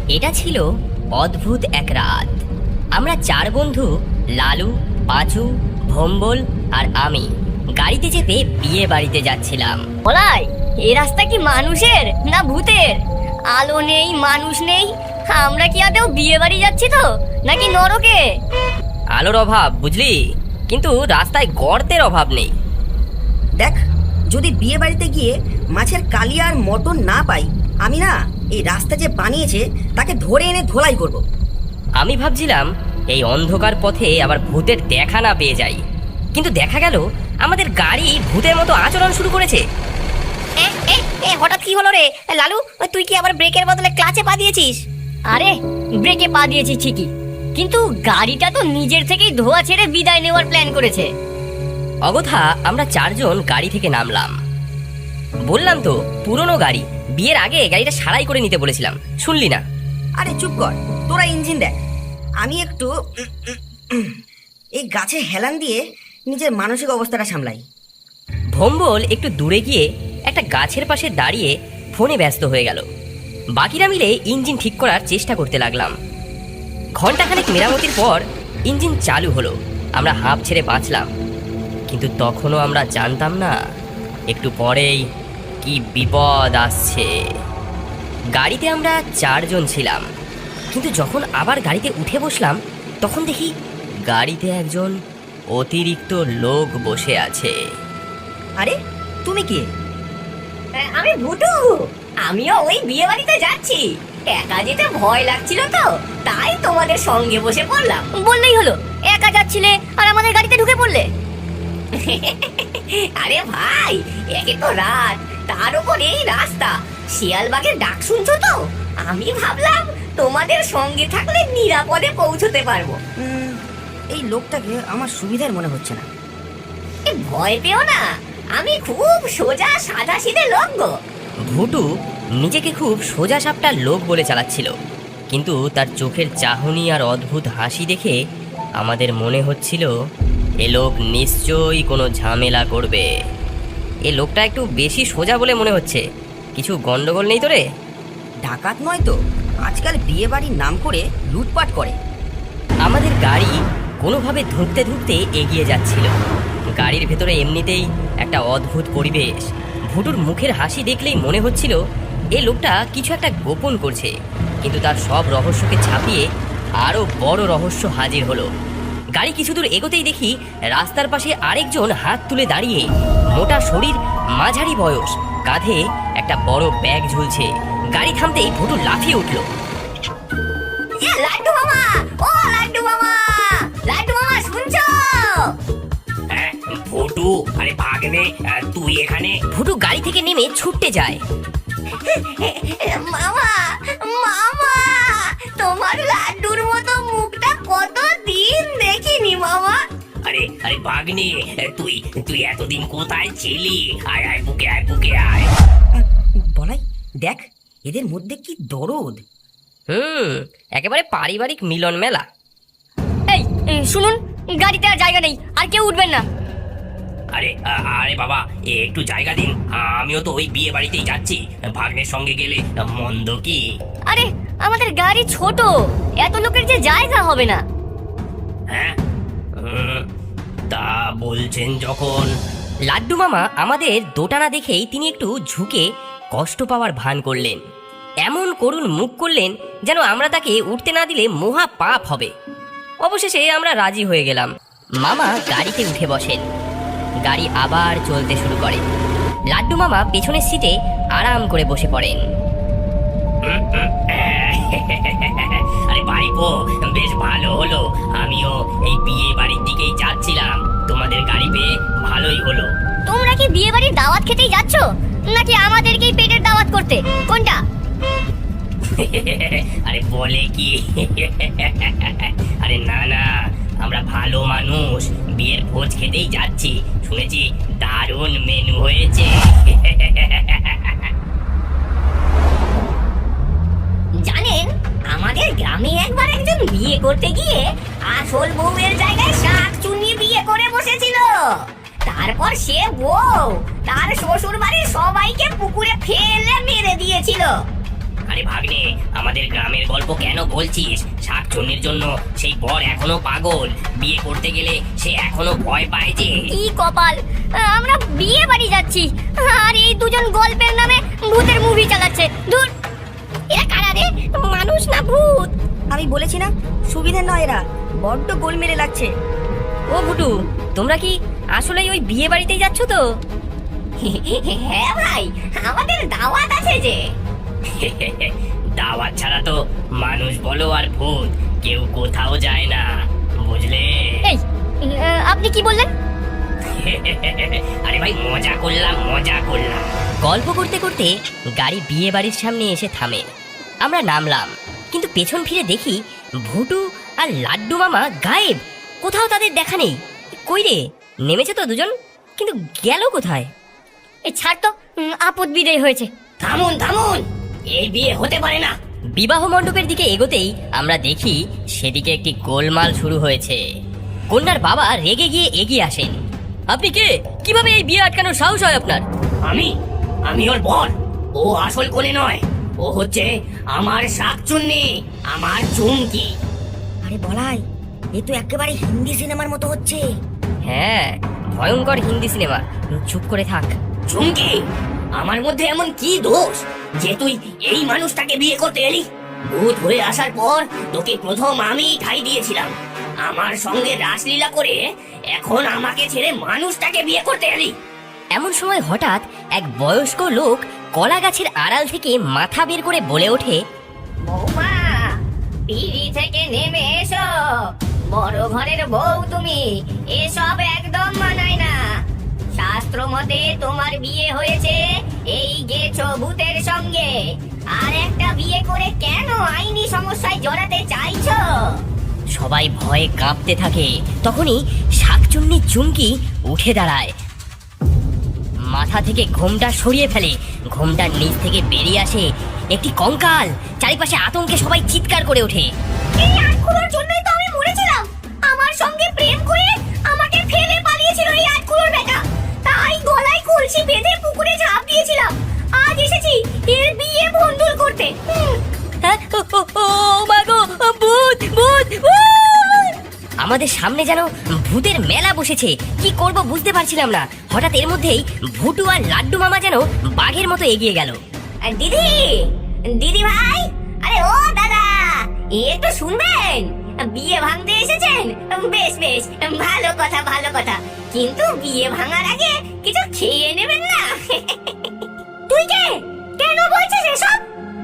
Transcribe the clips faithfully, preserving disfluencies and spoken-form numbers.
এটা ছিল অদ্ভুত এক রাত। আমরা চার বন্ধু লালু, পাঁচু, ভম্বল আর আমি গাড়িতে চেপে বিয়ে বাড়িতে যাচ্ছিলাম। বলাই, এই রাস্তা কি মানুষের না ভূতের? আলো নেই, মানুষ নেই, আমরা কি আদৌ বিয়ে বাড়ি যাচ্ছি তো নাকি নরকে? আলোর অভাব বুঝলি, কিন্তু রাস্তায় গর্তের অভাব নেই। দেখ, যদি বিয়ে বাড়িতে গিয়ে মাছের কালিয়া আর মটন না পাই, আমি না এই রাস্তা যে বানিয়েছে তাকে ধরে এনে ধোলাই করব। আমি ভাবছিলাম এই অন্ধকার পথে আবার ভূতের দেখা না পেয়ে যাই, কিন্তু দেখা গেল আমাদের গাড়ি ভূতের মতো আচরণ শুরু করেছে। এ, এ, এ, হঠাৎ কি হলো রে লালু? তুই কি আবার ব্রেকের বদলে ক্লাচে পা দিয়েছিস? আরে ব্রেকে পা দিয়েছি ঠিকই, কিন্তু গাড়িটা তো নিজের থেকেই ধোয়া ছেড়ে বিদায় নেওয়ার প্ল্যান করেছে। অগথা আমরা চারজন গাড়ি থেকে নামলাম। বললাম তো পুরনো গাড়ি, বিয়ের আগে গাড়িটা সারাই করে নিতে বলেছিলাম, শুনলি না? আরে চুপ কর, তোরা ইঞ্জিন দেখ, আমি একটু উম, উম, উম, এই গাছে হেলান দিয়ে নিজের মানসিক অবস্থাটা সামলাই। ভম্বল একটু দূরে গিয়ে একটা গাছের পাশে দাঁড়িয়ে ফোনে ব্যস্ত হয়ে গেল। বাকিরা মিলে ইঞ্জিন ঠিক করার চেষ্টা করতে লাগলাম। ঘন্টাখানেক মেরামতির পর ইঞ্জিন চালু হলো। আমরা হাঁপ ছেড়ে বাঁচলাম, কিন্তু তখনও আমরা জানতাম না একটু পরেই কি বিপদ আসছে। গাড়িতে আমরা চারজন ছিলাম, কিন্তু যখন আবার গাড়িতে উঠে বসলাম তখন দেখি গাড়িতে একজন অতিরিক্ত লোক বসে আছে। আরে তুমি কে? আমি ভুটু, আমিও ওই বিয়ে বাড়িতে যাচ্ছি। একা যেতে ভয় লাগছিল তো, তাই তোমাদের সঙ্গে বসে পড়লাম। বললেই হলো, একা যাচ্ছিলে আর আমাদের গাড়িতে ঢুকে পড়লে। আরে ভাই, একে তো রাত, তার উপর এই রাস্তা, শিয়ালবাগের ডাক শুনছো তো? আমি ভাবলাম তোমাদের সঙ্গে থাকলে নিরাপদে পৌঁছতে পারবো। উম, এই লোকটাকে আমার সুবিধার মনে হচ্ছে না। এ, ভয় পেও না, আমি খুব সোজা সাদা সিধে লোক গো। ভুটু নিজেকে খুব সোজা সাপটা লোক বলে চালাচ্ছিল, কিন্তু তার চোখের চাহনি আর অদ্ভুত হাসি দেখে আমাদের মনে হচ্ছিল এ লোক নিশ্চয়ই কোনো ঝামেলা করবে। এ লোকটা একটু বেশি সোজা বলে মনে হচ্ছে। কিছু গন্ডগোল নেই তো রে? ডাকাত নয় তো, আজকাল বিয়ে বাড়ির নাম করে লুটপাট করে। আমাদের গাড়ি কোনোভাবে ধুঁকতে ধুঁকতে এগিয়ে যাচ্ছিল। গাড়ির ভেতরে এমনিতেই একটা অদ্ভুত পরিবেশ। ভুটুর মুখের হাসি দেখলেই মনে হচ্ছিল এ লোকটা কিছু একটা গোপন করছে, কিন্তু তার সব রহস্যকে ছাপিয়ে আরো বড় রহস্য হাজির হলো। গাড়ি কিছু দূর এগোতেই দেখি রাস্তার পাশে আরেকজন হাত তুলে দাঁড়িয়ে, মোটা শরীর, মাঝারি বয়স, কাঁধে একটা বড় ব্যাগ ঝুলছে। গাড়ি থামতেই ভুটু লাফিয়ে উঠল। লাড্ডু মামা, ও লাড্ডু মামা, লাড্ডু মামা শুনছো? ভুটু, আরে ভাগ্নে, তুই এখানে? ভুটু গাড়ি থেকে নেমে ছুটতে যায়। মামা, মামা, তোমার লাড্ডুর মতো মুখটা কত দিন দেখিনি মামা। আরে আরে ভাগ্নে, তুই তুই এতদিন কোথায় ছিলি? আয় আয় বুকে আয়, বুকে আয়। বলাই, দেখ এদের মধ্যে কি দরদ। হুম, একেবারে পারিবারিক মিলন মেলা। এই এই, শুনুন, গাড়িতে আর জায়গা নেই, আর কেউ উঠবেন না। আরে আ- আরে বাবা, এ একটু জায়গা দিন, আমিও তো ওই বিয়ে বাড়িতেই যাচ্ছি। ভাগ্নের সঙ্গে গেলে মন্দ কি? আরে আমাদের গাড়ি ছোট, এত লোকের যে জায়গা হবে না। হ্যাঁ, উম, তা বলছেন যখন। লাড্ডু মামা আমাদের দোটানা দেখেই তিনি একটু ঝুঁকে কষ্ট পাওয়ার ভান করলেন। এমন করুণ মুখ করলেন যেন আমরা তাকে উঠতে না দিলে মহা পাপ হবে। অবশেষে আমরা রাজি হয়ে গেলাম। মামা গাড়িতে উঠে বসেন। গাড়ি আবার চলতে শুরু করে। লাড্ডু মামা পেছনের সিটে আরাম করে বসে পড়েন। আরে ভাইপো, বেশ ভালো হলো, আমিও এই বিয়ে বাড়ির দিকেই যাচ্ছিলাম। তোমাদের গাড়ি পেয়ে ভালোই হলো। তোমরা কি বিয়ে বাড়ির দাওয়াত খেতেই যাচ্ছ, নাকি আমাদেরকেই পেটের দাওয়াত করতে? কোনটা? আরে বলে কি, আরে না না, আমরা ভালো মানুষ, বিয়ের ভোজ খেতেই যাচ্ছি। শুনেছি দারুণ মেনু হয়েছে। জানেন, আমাদের গ্রামে একবার একজন বিয়ে করতে গিয়ে আসল বউয়ের জায়গায় শাক চুনিয়ে বিয়ে করে বসেছিল। তারপর সে বউ তার শ্বশুর বাড়ির সবাইকে পুকুরে ফেলে মেরে দিয়েছিল। আরে ভাগ্নে, আমাদের গ্রামের গল্প কেন বলছিস? শাকচুন্নির জন্য সেই বর এখনো পাগল, বিয়ে করতে গেলে সে এখনো ভয় পায় যে। কি কপাল, আমরা বিয়ে বাড়ি যাচ্ছি আর এই দুজন গল্পের নামে ভূতের মুভি চালাচ্ছে। দূর, এরা কারা রে? মানুষ না ভূত? আমি বলেছি না, সুবিধে নয় এরা, বড্ড গোলমেলে লাগছে। ও ভুটু, তোমরা কি আসলেই ওই বিয়ে বাড়িতেই যাচ্ছ তো? হ্যাঁ ভাই, আমাদের দাওয়াত আছে যে। দাওয়াত ছাড়া তো মানুষ বলো আর ভূত কেউ কোথাও যায় না, বুঝলে? এই, আপনি কি বললেন? আরে ভাই, মজা করলাম মজা করলাম। গল্প করতে করতে গাড়ি বিয়ে বাড়ির সামনে এসে থামে। আমরা নামলাম, কিন্তু পেছন ফিরে দেখি ভুটু আর লাড্ডু মামা গায়েব। কোথাও তাদের দেখা নেই। কই রে, নেমেছে তো দুজন, কিন্তু গেল কোথায়? এই ছাড় তো, উম, আপদ বিদায় হয়েছে। থামুন থামুন, এই বিয়ে হতে পারে না। বিবাহ মণ্ডপের দিকে এগোতেই আমরা দেখি সেদিকে একটি গোলমাল শুরু হয়েছে। কন্যার বাবা রেগে গিয়ে এগিয়ে আসেন। আপনি কে? কিভাবে এই বিয়ে আটকানোর সাহস হয় আপনার? আমি আমি ওর বর। ও আসল কোলে নয়, ও হচ্ছে আমার শাকচুন্নি, আমার চুমকি। আরে বলাই, এ তো একেবারে হিন্দি সিনেমার মতো হচ্ছে। হ্যাঁ, ভয়ঙ্কর হিন্দি সিনেমা। চুপ করে থাক। চুমকি, আমার মধ্যে এমন কি দোষ যে তুই এই মানুষটাকে বিয়ে করতে এলি? ভূত হয়ে আসার পর তোকে প্রথম আমি ঠাই দিয়েছিলাম, আমার সঙ্গে রাসলীলা করে এখন আমাকে ছেড়ে মানুষটাকে বিয়ে করতে এলি। এমন সময় হঠাৎ এক বয়স্ক লোক কলা গাছের আড়াল থেকে মাথা বের করে বলে ওঠে, বৌমা, পিড়ি থেকে নেমে এসো। বড় ঘরের বউ তুমি, এসব একদম মানায় না। শাস্ত্র মতে তোমার বিয়ে হয়েছে এই গেছো ভূতের সঙ্গে, আর একটা বিয়ে করে কেন আইনি সমস্যায় জড়াতে চাইছো? সবাই ভয়ে কাঁপতে থাকে। তখনই শাকচুন্নি চুমকি উঠে দাঁড়ায়, মাথা থেকে ঘোমটা সরিয়ে ফেলে। ঘোমটার নিচ থেকে বেরিয়ে আসে একটি কঙ্কাল। চারিপাশে আতঙ্কে সবাই চিৎকার করে ওঠে। এই আটকুলোর জন্যই তো আমি মরেছিলাম। আমার সঙ্গে প্রেম করে আমাকে ফেলে পালিয়েছিল এই আটকুলোর বেটা, তাই গলায় কলসি বেঁধে পুকুরে ঝাঁপ দিয়েছিলাম। আজ এসেছি এর বিয়ে ভণ্ডুল করতে। হুম। হ্যাঁ, ও, ও, ও মা গো, ভূত ভূত ভূত! আমাদের সামনে যেন ভূতের মেলা বসেছে। কি করব বুঝতে পারছিলাম না। হঠাৎ এর মধ্যেই ভুটু আর লাড্ডু মামা যেন বাঘের মতো এগিয়ে গেল। আর দিদি, দিদি ভাই, আরে ও দাদা, একটু শুনবেন? বিয়ে ভাঙতে এসেছেন? বেশ বেশ, ভালো কথা ভালো কথা, কিন্তু বিয়ে ভাঙার আগে কিছু খেয়ে নেবেন না। তুই কে? কেন বলছিস এসব?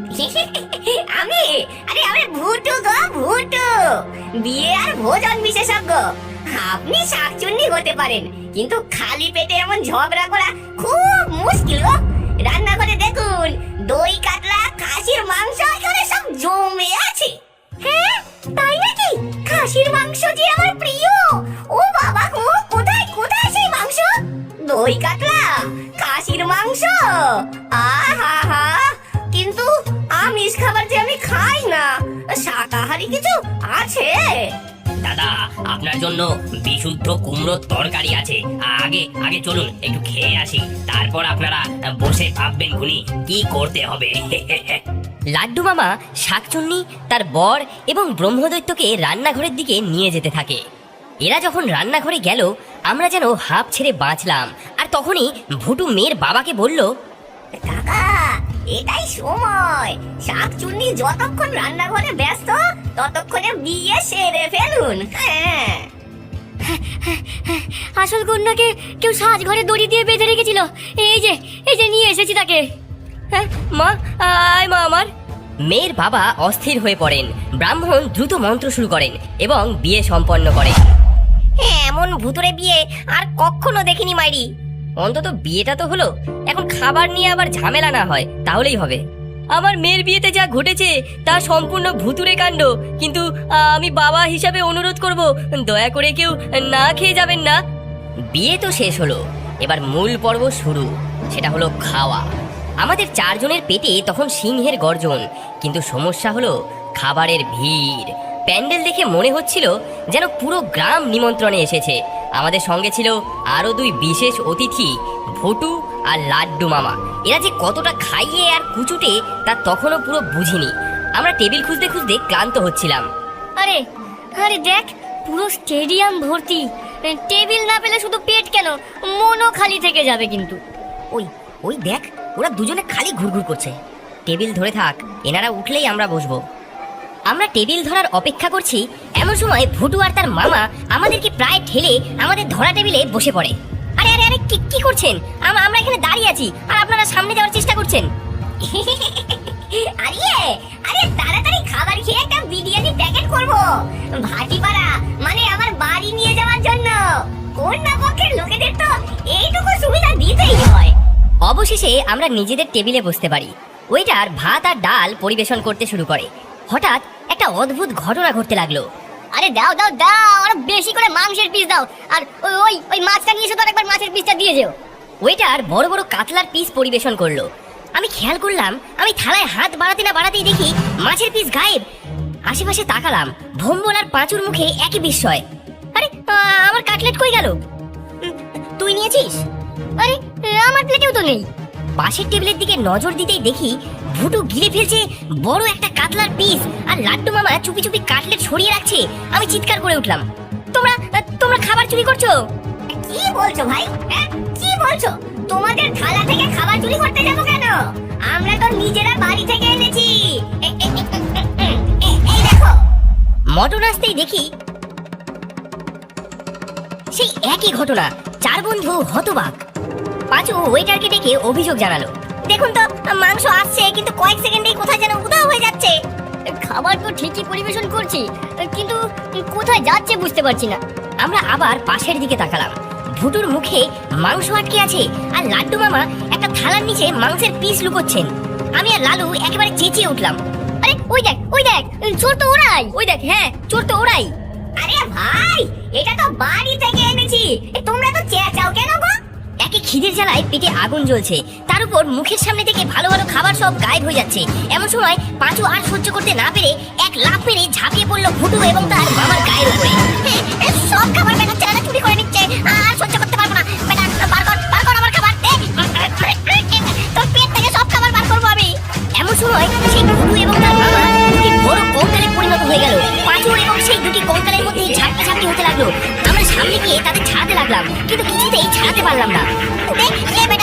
আমি, আরে আমি ভুটু গো, ভুটু, বিয়ে আর ভোজন বিশেষজ্ঞ। আপনি শাকচুন্নি হতে পারেন, কিন্তু খালি পেটে এমন ঝগড়া করা খুব মুশকিল গো। রান্নাঘরে দেখুন, দই কাতলা খাসির মাংস এখানে সব জমে আছে। হ্যাঁ, তাই নাকি? খাসির মাংস যে আমার প্রিয়। ও বাবা গো, কোথায় কোথায় সেই মাংস? দই কাতলা, খাসির মাংস, আহা হা। কিন্তু আমিষ খাবার যে আমি খাই না, শাকাহারি কিছু আছে? দাদা, আপনার জন্য বিশুদ্ধ কুমড়োর তরকারি আছে। আগে আগে চলুন একটু খেয়ে আসি, তারপর আপনারা বসে ভাববেন খুনি কি করতে হবে। লাড্ডু মামা শাকচুন্নি, তার বর এবং ব্রহ্মদৈত্যকে রান্নাঘরের দিকে নিয়ে যেতে থাকে। এরা যখন রান্নাঘরে গেল, আমরা যেন হাঁপ ছেড়ে বাঁচলাম। আর তখনই ভুটু মেয়ের বাবাকে বলল, কাকা, এটাই সময়। শাকচুন্নি যতক্ষণ রান্নাঘরে ব্যস্ত, ততক্ষণে বিয়ে সেরে ফেলুন। হ্যাঁ, আসল কন্যাকে কেউ সাজঘরে দড়ি দিয়ে বেঁধে রেখেছিল। এই যে এই যে নিয়ে এসেছি তাকে। হ্যাঁ মা, আয় মা আমার। মেয়ের বাবা অস্থির হয়ে পড়েন। ব্রাহ্মণ দ্রুত মন্ত্র শুরু করেন এবং বিয়ে সম্পন্ন করেন। এমন ভুতুরে বিয়ে আর কখনো দেখিনি মাইরি। অন্তত বিয়েটা তো হলো, এখন খাবার নিয়ে আবার ঝামেলা না হয় তাহলেই হবে। আমার মেয়ের বিয়েতে যা ঘটেছে তা সম্পূর্ণ ভুতুরে কাণ্ড, কিন্তু আমি বাবা হিসাবে অনুরোধ করব, দয়া করে কেউ না খেয়ে যাবেন না। বিয়ে তো শেষ হলো, এবার মূল পর্ব শুরু, সেটা হলো খাওয়া। আমাদের চারজনের পেটে তখন সিংহের গর্জন, কিন্তু সমস্যা হলো খাবারের ভিড়। প্যান্ডেল দেখে মনে হচ্ছিল যেন পুরো গ্রাম নিমন্ত্রণে এসেছে। আমাদের সঙ্গে ছিল আরো দুই বিশেষ অতিথি, ভটু আর লাড্ডু মামা এরা যে কতটা খাইয়ে আর কুচুটে তা তখনও পুরো বুঝিনি। আমরা টেবিল খুঁজতে খুঁজতে ক্লান্ত হচ্ছিলাম। আরে আরে দেখ, পুরো স্টেডিয়াম ভর্তি। টেবিল না পেলে শুধু পেট কেন, মনও খালি থেকে যাবে কিন্তু। ওই ওই দেখ, ওরা দুজনে খালি ঘুরঘুর করছে। টেবিল ধরে থাক, এনারা উঠলেই আমরা বসবো। আমরা টেবিল ধরার অপেক্ষা করছি, এমন সময় ভুটু আর তার মামা আমাদেরকে প্রায় ঠেলে আমাদের ধরা টেবিলে বসে পড়ে। আরে আরে আরে কি কি করছেন? আম- আমরা এখানে দাঁড়িয়ে আছি আর আপনারা সামনে যাওয়ার চেষ্টা করছেন। আরে আরে তাড়াতাড়ি খাবার খেয়ে একটা বিরিয়ানি প্যাকেট করব ভাটিপাড়া, মানে আমার বাড়ি নিয়ে যাওয়ার জন্য। কন্যা পক্ষের লোকেদের তো এইটুকু সুবিধা দিতেই হয়। অবশেষে আমরা নিজেদের টেবিলে বসতে পারি। ওয়েটার ভাত আর ডাল পরিবেশন করতে শুরু করে। হঠাৎ একটা অদ্ভুত ঘটনা ঘটতে লাগলো। আরে দাও দাও দাও, আর বেশি করে মাংসের পিস দাও, আর ওই- ওই ওই মাছটা নিয়ে এসে তো একবার মাছের পিসটা দিয়ে যেও। ওয়েটার বড় বড় কাতলার পিস পরিবেশন করলো। আমি খেয়াল করলাম, আমি থালায় হাত বাড়াতে না বাড়াতেই দেখি মাছের পিস গায়েব। আশেপাশে তাকালাম, ভম্বল আর পাঁচুর মুখে একই বিস্ময়। আরে আ, আমার কাটলেট কই গেল? তুই নিয়েছিস? আরে আমার প্লেটেও তো নেই। পাশের টেবিলের দিকে নজর দিতেই দেখি ভুটু গিলে ফেলছে বড় একটা কাতলার পিস, আর লাড্ডু মামা চুপি চুপি কাটলেট সরিয়ে রাখছে। আমি চিৎকার করে উঠলাম, তোমরা তোমরা খাবার চুরি করছো? কি বলছো ভাই? হ্যাঁ, কি বলছো? তোমাদের থালা থেকে খাবার চুরি করতে যাবো কেন? আমরা তো নিজেরা বাড়ি থেকে এনেছি। এ- এ- এ- এ- এ- এ- এই দেখো। মটন আসতেই দেখি সেই একই ঘটনা। চার বন্ধু হতবাক। পাঁচু ওয়েটারকে ডেকে অভিযোগ জানালো। দেখুন তো, মাংস আসছে কিন্তু কয়েক সেকেন্ডেই কোথায় যেন উধাও হয়ে যাচ্ছে। খাবার তো ঠিকই পরিবেশন করছি, কিন্তু কোথায় যাচ্ছে বুঝতে পারছি না। আমরা আবার পাশের দিকে তাকালাম। ভুটুর মুখে মাংস আটকে আছে, আর লাড্ডু মামা একটা থালার নিচে মাংসের পিস লুকোচ্ছেন। আমি আর লালু একেবারে চেঁচিয়ে উঠলাম, আরে ওই দেখ ওই দেখ, চোর তো ওরাই। ওই দেখ, হ্যাঁ চোর তো ওরাই। আরে ভাই, এটা তো বাড়ি থেকে এনেছি, এ তোমরা তো চেঁচাও কেন গো? একে খিদের জ্বালায় পেটে আগুন জ্বলছে, তার উপর মুখের সামনে থেকে ভালো ভালো খাবার সব গায়েব হয়ে যাচ্ছে। এমন সময় পাঁচু আর সহ্য করতে না পেরে এক লাফ মেরে ঝাঁপিয়ে পড়লো ভুটু এবং তার মামার গায়ের উপরে। এ, সব খাবার বেটা ছেলেরা চুরি করে নিচ্ছে, আর সহ্য করতে পারবো না। বেটা বার কর বার কর আমার খাবার। এ, তোর পেট থেকে সব খাবার বার করবো আমি। এমন সময় সেই ভুটু এবং তার মামা দুটি বড় কঙ্কালে পরিণত হয়ে গেল। পাঁচু এবং সেই দুটি কঙ্কালের মধ্যে ঝাঁপটি ঝাঁপটি হতে লাগলো। আমরা সামনে গিয়ে তাদের ছাড়াতে লাগলাম, কিন্তু কিছুতেই ছাড়াতে পারলাম না। দেখ, এ বেটা